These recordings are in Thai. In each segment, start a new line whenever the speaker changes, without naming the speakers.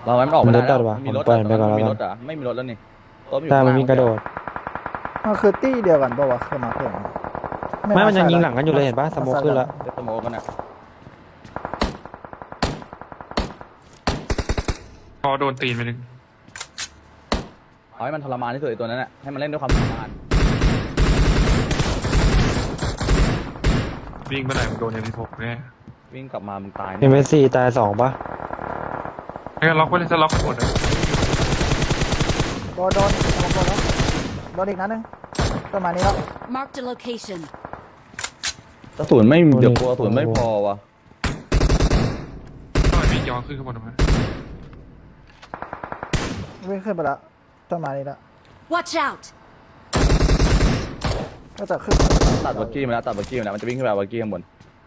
เราไม่ออกไม่ได้แล้ว
วะ
มีรถ
ปล่อยมันไปก่อนแล้ว
มี
กั
ร
น
ถอ่ะไม่มีรถแล้วนี่รถอยู่
ใช่
ข้าง
มัน
ล่าง
มีกระโดด
มันคือตี้เดียวกันปะวะคือมาเพื่อน
ไม่มันยังยิงหลังกันอยู่เลยเห็นปะสโมคขึ้นแล้ว
เดสโมกันอ่ะ
พอโดนตีนไปนึง
เอาให้มันทรมานที่สุดไอ้ตัวนั้นอ่ะให้มันเล่นด้วยความทรมาน
วิ่งไปไหนมึงโดนยัง16แน่
วิ่งกลับมามึงตาย
เอ็มเอสซีตาย2ปะ
ไม่งั้นล็อกไว้เลยจะล็อกไปหมดเลย
โดนแล้วโดนอีกนัดนึงประมาณนี้แล้ว
Marked a location.
กระสุนไม่เดี๋ยวกลัวกระสุนไม่พอวะ
ต้องมีย้อนขึ้นข้างบนมา
วิ่งขึ้นไปแล้วประมาณนี้แล้ว
Watch out!
ก็จะขึ้น
ตัดบักกี้มาแล้วตัดบักกี้มาแล้วมันจะวิ่งขึ้นไปเอาบักกี้ข้างบน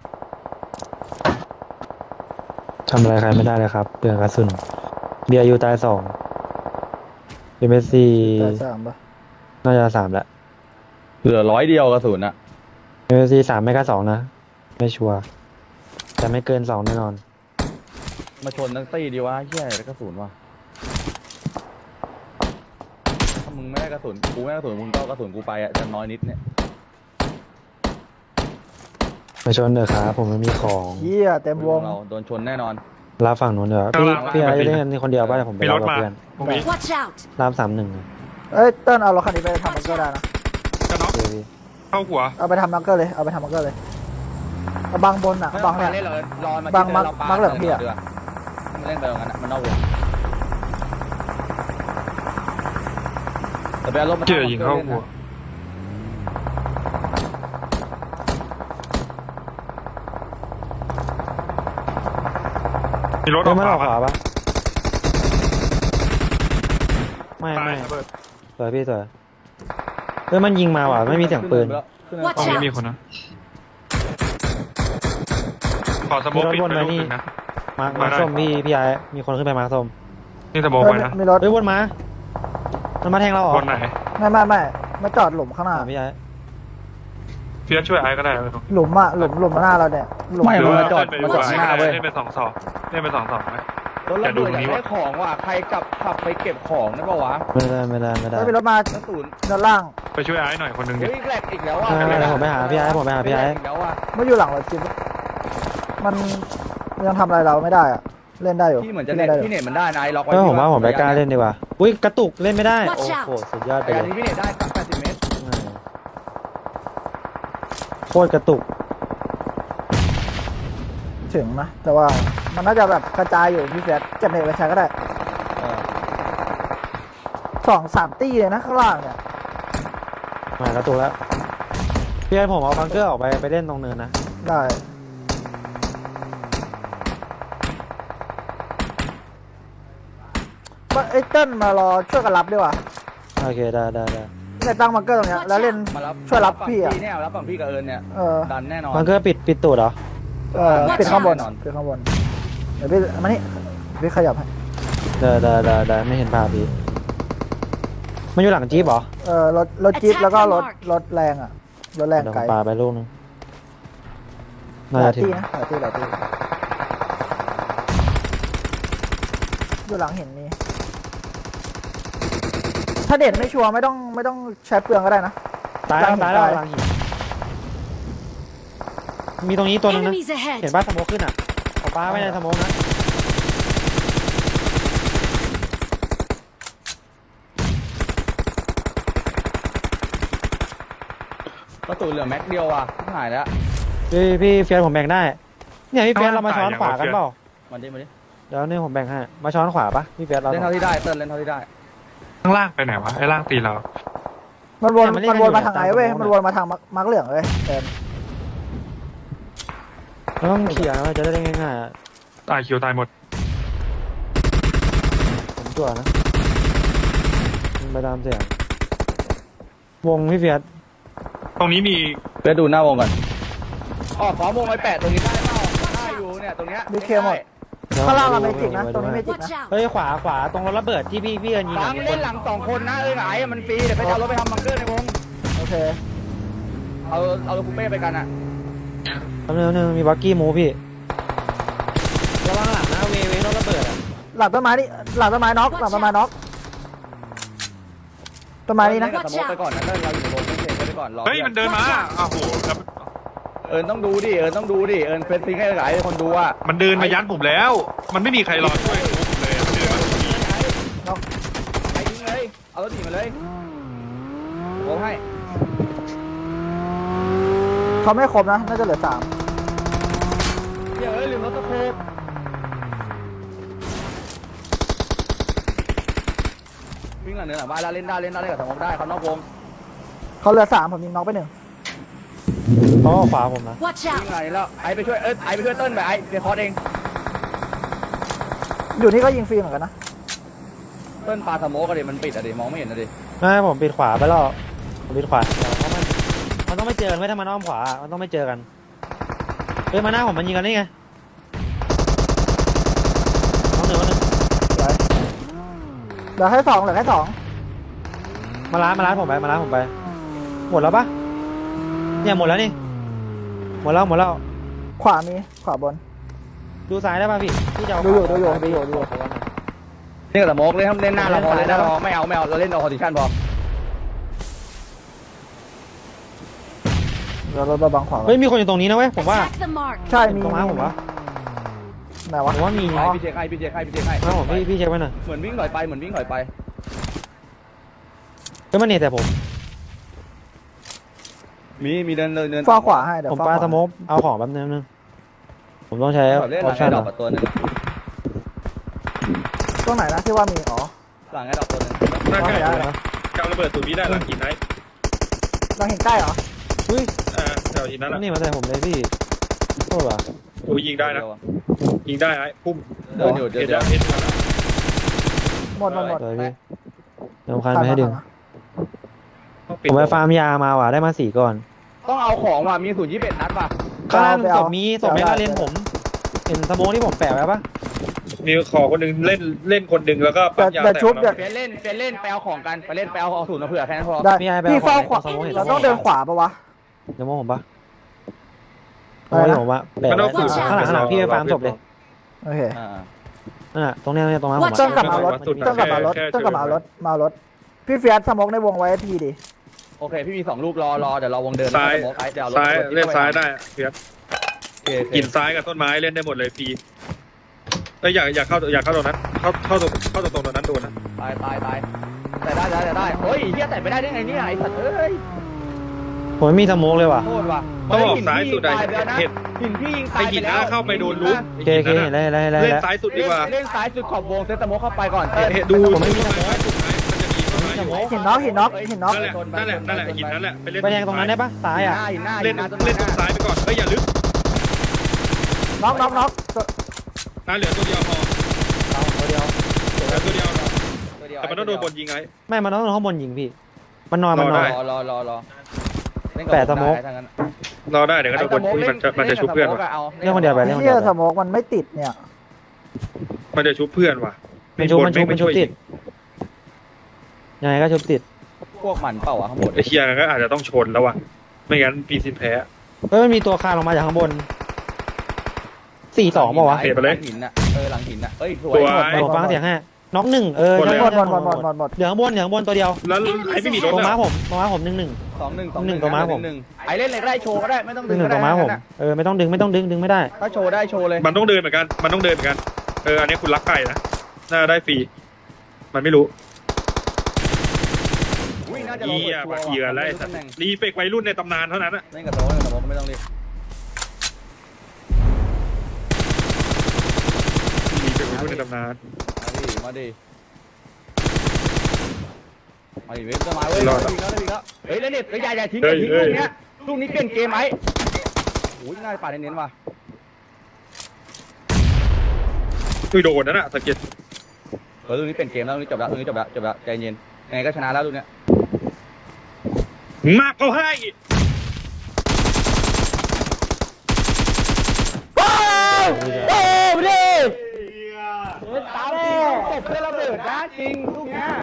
ทำอะไรใครไม่ได้เลยครับเปลืองกระสุนเบียร์ยูตาย2เอ็มเอสซี
แต่สามปะ
น่าจะ3แล้ว
เหลือ100 เดียวกระสุนอ่ะ
เอ็มเอสซี3ไม่ก็2นะไม่ชัวร์แต่ไม่เกิน2แน่นอน
มาชนทั้งตี้ดีวะเหี้ยแล้วกระสุนวะถ้ามึงไม่ได้กระสุนกูไม่ได้กระสุนมึงก็เอากระสุนกูไปอ่ะจะน้อยนิดเนี่ย
ไปชนเถอะครับผมไม่มีของ
เหี้ยเต็มวง
เราโดนชนแน่นอน
รับฝั่งนู้นเดี๋ยวพี่ไอ้เล่นคนเดียวป่ะเดี๋ยวผมไป
มี
รั
ร
บ
ถ
กับ
มา
เพื่อน
ตรงนี้
Watch out!
รับ31
เอ้ยเติ้ลเอารถคันนี้ไปทำบังเกอร์ได้นะ
จะน็อก
เจพี่
เข้าหัว
เอาไปทำบังเกอร์เลยเอาไปทำบังเกอร์เลยเอาบังบนอ่ะบังเนี่ย
เล่นเลยรอมา
บังมักเหลืองพี่อะ
มันเล่นไปตรงนั้นอะมันนอกวงแต่ไปเอารถมา
เจอยิงเข้าหัวมีรถอ
เฮ้
อย ก
มันออก
ข
ข
วาว
าปะไม่
ตาย
ไม่
ระเบิด
สวยพี่สวยเฮ้ยมันยิงมาว่ะไม่มีเสียงปืน
ขึ้น
Watch
ตรงนี้
out
มีคนนะขอสโมกปิดไปลูกนึงนะ
มาร์ค
มาได้
ส้มพี่ไอ้มีคนขึ้นไปมาร์คส้ม
นี่สโมก
เอ้
ไป
ย
นะ
มีรถ
เฮ้ยวนมามันมาแทงเราเหรอบ
นไหน
ไม่มาจอดหลุมข้างหน้า
พี่ไอ้
เฟียสช่วยไอ้ก็ได้เลยตรง
หลุมอ่ะหลุมหน้าเราเนี่ยหลุม
ไม่
หรือ
มัน
ว่า
มาจอด
เล่น
มา
ไป
จอดข้างหน้าเว้ย
เล่นไป2-2เล่นไป2-2ไหม
รถระเบิดอยากได้ของว่ะใครขับไปเก็บของได้ป่าวะ
ไม่ได้
ไม่มีรถมาก
ระสุน
ด้านล่าง
ไปช่วยไอ้หน่อยคนหนึงดิ
เฮ้ยแหลกอีกแล้วอ่ะ
ผมไปหาพี่ไอ้ผมไปหาพี่ไอ้
อีกแล้วอ่ะ
ไม่อยู่หลังรถจิ๊บมันยังทำอะไรเราไม่ได้อ่ะเล่นได้อยู่
ที่เหมือนจะ
ล่
เน็ต
ได้อยู่
ที่เน็ตมันได้นะไอ้ล็อกไว้
เออผมว่าผมไปกล้าเล่นดีกว่าอุ้ยกระตุกเล่นไม่ได้โอ้
Watch out
โหสุดยอดไป
ไอ้
เล
อัน
ย
นี้พี่เน็ตได้80 เมตร
โคตรกระตุก
ถึงนะแต่ว่ามันน่าจะแบบกระจายอยู่พี่เฟียสเก็บเน็ตไปใช้ก็ได้
เออ
2-3 ตี้เลยนะข้างล่างเนี่ย
มากระตุกแล้วพี่ไอ้ผมเอาบังเกอร์ออกไปเล่นตรงเนินนะ
ได้ไอ้เติ้ลมารอช่วยกันรับดีกว่า
โอเคได้
ในตั้งบังเกอร์ตรงเนี้ยแล้วเล่น
มารับ
ช่วยรับพี่อะ
เนี่ยรับฝั่งพี่กับเอิญเนี่ย
เออ
ดันแน่นอน
บังเกอร์ปิดตูดเหรอ
ปิดข้างบน
แน่นอน
ปิดข้างบนเดี๋ยวพี่มานี่พี่ขยับให้
ได้ไม่เห็นภาพพี่มันอยู่หลังจี๊ปเหรอ
รถจี๊ป
Attack
แล้วก็
the
รถ
mark
รถแรงอ่ะรถแรง
เดี๋ยวผ
ไกล
มปาไปลูกนึง
ห
น่า
ลา
จะ
ย
ถึง
ตี้นะหลายตี้อยู่หลังเห็นมีถ้าเด่นไม่ชัวร์ไม่ต้องใช้เปลืองก็ได้นะ
ตาย
หลัง
แล้ว
หิน
หลังหินมีตรงนี้ตัวนึงนะ
Enemies
เห็น
ahead!
ป่ะสโมกขึ้นอ่ะเอาปลาไว้ในสโมกนะ
กระสุนเหลือแม็กเดียวอ่ะที่หายแล้ว
พี่เฟียสผมแบ่งได้เนี่ยพี่เฟียสเรามาช้อนขวากันเปล่า
มาดิ
เดี๋ยวนี่ผมแบ่งให้มาช้อนขวาปะพี่เฟียสเรา
เล่นเท่าที่ได้เติ้ลเล่นเท่าที่ได้
ข้างล่างไปไหนวะไอ้ล่างตีเรา
มันวน
เนี่ยมันเล่น
มันวนมาทางไหนเว้ย
กันอยู่
มันวนมาทางมักเหลืองเว้ยเดิน
เราต้องเขี่ยนะจะได้เล่นง่ายๆอะ
ตายคิวตายหมด
ผมจั่วนะมันไปตามเสียงวงพี่เฟียส
ตรงนี้มี
เพื่อดูหน้าวงก่อนอ๋อขอวงไว้8ตรงนี้ได้เปล่าได้อยู่เนี่ยตรงเนี้ย
ดีเคหมดข้างล่างเราไม่จิกนะตรงนี้ไม่จิก
Watch
นะ
out!
เฮ้ยขวาตรงรถระเบิดที่พี่เอิญยิง
ฟั
อะ
ง
มีค
เล่
น
นหลัง2 คนนะไหนมันฟรีเดี๋ยวไปเอารถไปทำบังเกอร์ในวง
โอเค
เอารถคูเป้ไปกันอ่ะ
แป๊บนึงมีบักกี้มูพี่ระวังหลังนะเวรถระเบิดอะ
หลังต้นไม้นี่หลังต้นไม้น็อกหลังต้นไม้น็อกต้นไม้นี่นะ
เล่กับสโมกไปก่อนนะเล่นเราอยู่ในวงเล่นเซฟไปก่อนรอ
เฮ้ยมันเดินมาอ้าวโหแล้ว
เอิญต้องดูดิเอิญต้องดูดิเอิญเฟซซิงให้หลายคนดูอ่ะ
มันเดินมายัดผมแล้ว มันไม่มีใครรอช่วยผมเลยมันเดินมาตรงนี้
น็อก
ไปยิงเลยเอารถหนีมาเลยโอ้ให้
เขาไม่ครบนะน่าจะเหลือ3
เดี๋ยวลืมรถตะโคบวิ่งหลังเนินหลังบ้านแล้วเล่นได้เล่นกับสโมกได้เขานอกวง
เขาเหลือ3ผมยิงน็อกไป1
เขาเอาขวาผมนะ
Watch
วิ่ง
out!
หลังนี้แล้วไอ้ไปช่วยไอ้ไปช่วยเติ้ลไปไอ้เดี๋ยวคอร์สเอง
อยู่นี่ก็ยิงฟรีเหมือนกันนะ
เติ้ลปาสโมกอะดิมันปิดอะดิมองไม่เห็นอะดิ
ไม่ผมปิดขวาไปแล้วผมปิดขวาเดี๋ยวเพราะมันต้องไม่เจอกันไม่ถ้ามันอ้อมขวามันต้องไม่เจอกันเฮ้ยมาหน้าผมมันยิงกันนี่ไงน้องหนึ่ง
เหลือแค่2เหลือแค่2
มาล้านผมไปหมดแล้วปะเนี่ยหมดแล้วนี่หมดแล้ว
ขวามีขวาบน
ดูซ้ายได้ป่ะพี่จะเอา
ดูอยู่
เล่นกับสโมกเลยทำเล่นหน้าเราพอเล่นหน้าเราไม่เอาเราเล่นเอาคอนดิชั่นพอ
เราบังขวา
เฮ้ยมีคนอยู่ตรงนี้นะเว้ยผมว่า
Attack the mark!
ใช่มี
ตรงม้าผมวะ
ไหนวะ
ผมว่ามี
พี่เช็คให้
ม้าผมพี่เช็คไว้หน่อย
เหมือนวิ่งหน่อยไป
เฮ้ยมันเนี่ยแต่ผม
มีเดิน
ฟ้าขวาให้เดี๋ยว
ผมปาสโมกเอาของแป๊บนึงผมต้องใช้อ
เล่นห
อ
ลั
ป
ง
ชั่
ไอ้
น
ดอกตัวนึง
ตรงไหนนะที่ว่ามีอ๋อ
หลังไอ้ดอกตัวนึง
หน้าใกล้
ได้เหรอ
กำระเบิดตูดนี้ได้หลังหินไหน
เราเห็นใกล้เหรอ
เฮ้ย
แถวหินนั้น
นี่มาใส่ผมเลยพี่โทษว่ะ
โอ้ยิงได้นะยิงได้ไอ้พุ่ม
เดินอยู่
เห็น
เดี๋
แล้
ยว ว
เห็น
หมด
เลยพี่เดี๋ยวคันไม่ให้ดึง
ปิด
ผมไปฟาร์มยามาว่ะได้มา4ก้อน
ต้องเอาของว่ะมี021นัดป่ะ
ข้างล่างศพไม่กล้าเล่นผมเห็นสโมกที่ผมแปะไว้ปะ
มีขอคนหนึ่งเล่นคนหนึ่งแล้วก็ปั๊มยา
แต่
แต่
ชุบเดี๋ยว
เล่นไปเอาของกันไปเล่นไปเอาศูนย์มาเผื่อแค่นั้นพอ
ได้
พี่ไอ้ไป
พี่
เอา
เฝ้า
ของ
ขวา
สโมกเห็น
เราต้องเดินขวาปะวะ
สโมกผมปะส
อะไร
โมก
นะ
ผมว่าแปะไว้ข้างหลังพี่ไปฟาร์มศพเลย
โอเค
นั่นน่ะตรงนี้ตรงนั้นผม
เติ้งกลับมารถเติ้งกลับมารถพี่เฟียสสมกในวงไว้ทีดิ
โอเคพี่มี2ลูกรอเดี๋ยวเราวงเดิน
ซ้าย
เดี๋ยว
ซ้ายเล่นซ้ายได้เพียร
กิ
กิ
น
นซ้ายกับต้นไม้เล่นได้หมดเลยพีอยากเข้าตรงนั้นเข้าตรงนั้นโดนนะ
ตายแต่ได้เฮ้ยเฮียแต่ไม่ได้ได้ไงเนี่ยไอ้สัตว์เอ้ย
ผมไม่มีสโมกเลยว่ะ
โทษว่ะ
ต้องออกซ้ายสุดอะ
เห็นหินพี่ยิงตา
ไอย หินนะเข้าไปโดนลุก
โอเคเห็นแล้ว
เล่นซ้ายสุดดีกว่า
เล่นซ้ายสุดขอบวงเซตโมเข้าไปก่อน
ดู
ผมไม่มีสโมก
มันจะมีต้นไม้อยู่
เห็นน็อก
นั่นแหละหินนั่นแหละไปเล่น
ไปแทงตรงนั้นได้ปะซ้ายอ่ะ
หินหน้า
เล่นตรงซ้ายไปก่อนอย่าลึก
น็อก
เหลือตัวเดียวพอ
ตัวเดียว
เหลือตัวเดียวแต่มันต้องโดนบนยิงไง
ไม่มันต้องข้างบนยิงพี่มันนอน
รอ
รอได้เดี๋ยวก็โดนบนมันจะชุบเพื่อนว่ะ
เรื่องคนเดียวไปเรื่องคน
เฮี
เดี
ย
ยว
สมกมันไม่ติดเนี่ย
มันจะชุบเพื่อนว่ะ
มันชุบติดยังไงก็ชุบติด
พวกมันเปล่าข้างบน
ไอเชียก็อาจจะต้องชนแล้วว่ะไม่งั้นปีซินแพ้
เฮ้ยมันมีตัวคานลงมาจากข้างบน4-2ป่าวะ
หลังหินน่ะหลังหินน่ะเอ้ยสวย
ผมฟังเสียงให้น็อก1
หมด
เหลือข้างบนตัวเดียว
แล้วไอไม่มีรถ
ตรงม้า
อ่ะ
ผม1-1
2-1ตัวม้าผมไอ้เล่นเลยได้โชว์ก็ได้ไม่ต้องดึง
1-1ตัวม้าผมไม่ต้องดึงดึงไม่ได้
ถ้าโชว์ได้โชว์เลย
มันต้องเดินเหมือนกันอันนี้คุณรักไก่นะน่าได้ฟรีมันไม่รู้เหี้ยบักเหยื่อไล่รีเฟกวัยรุ่นในตำนานเท่านั้นอะ
เล่นกับโต๊ะก็ไม่ต้องรีบ
รีเฟกวัยรุ่นในตำนาน
มาดิเว้ยต้นไม้เว้ยเฮ้ยแล้วเนี่ยอย่าทิ้งลูกเนี้ยลูกนี้เปลี่ยนเกมไหมโอ้ยง่ายป่าเน้นว่ะ
คือโดนนั่นอะสังเกต
ลูกนี้เปลี่ยนเกมแล้วลูกนี้จบแล้วใจเย็นยังไงก็ชนะแล้วลูกเนี้ย
มากเขาให้
ตามจริงตบเพื่อระเบิดนะจริงลูกเนี้ย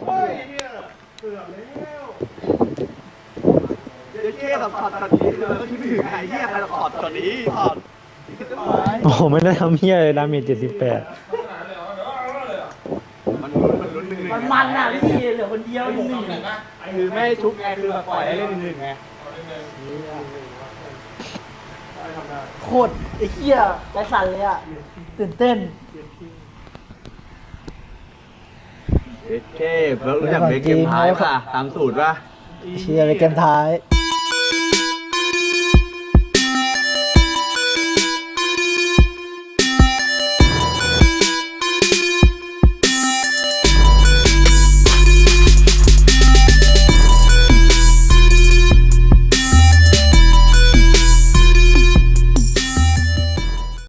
เดี๋ยวเชี่ยกับช็อตนี้เลยก็คิดไม่ถึงไอ้เหี้ยใครช็อตนี้ช็อต
โอ้ไม่ได้ทำเหี้ยเลยดาเมจ78
มันอ่ะพี่เหลือคนเดียว1-1
คือไม่ให้ชุบไงคือแบบปล่อยให้เล่นหนึ่งไง
โคตรไอ้เหี้ยใจสั่นเลยอ่ะตื่นเต้น
เท่เบิร์กรู้จักเบรกเกมท้ายป่ะตามสูตรป่ะ
เชียร์ในเกมท้าย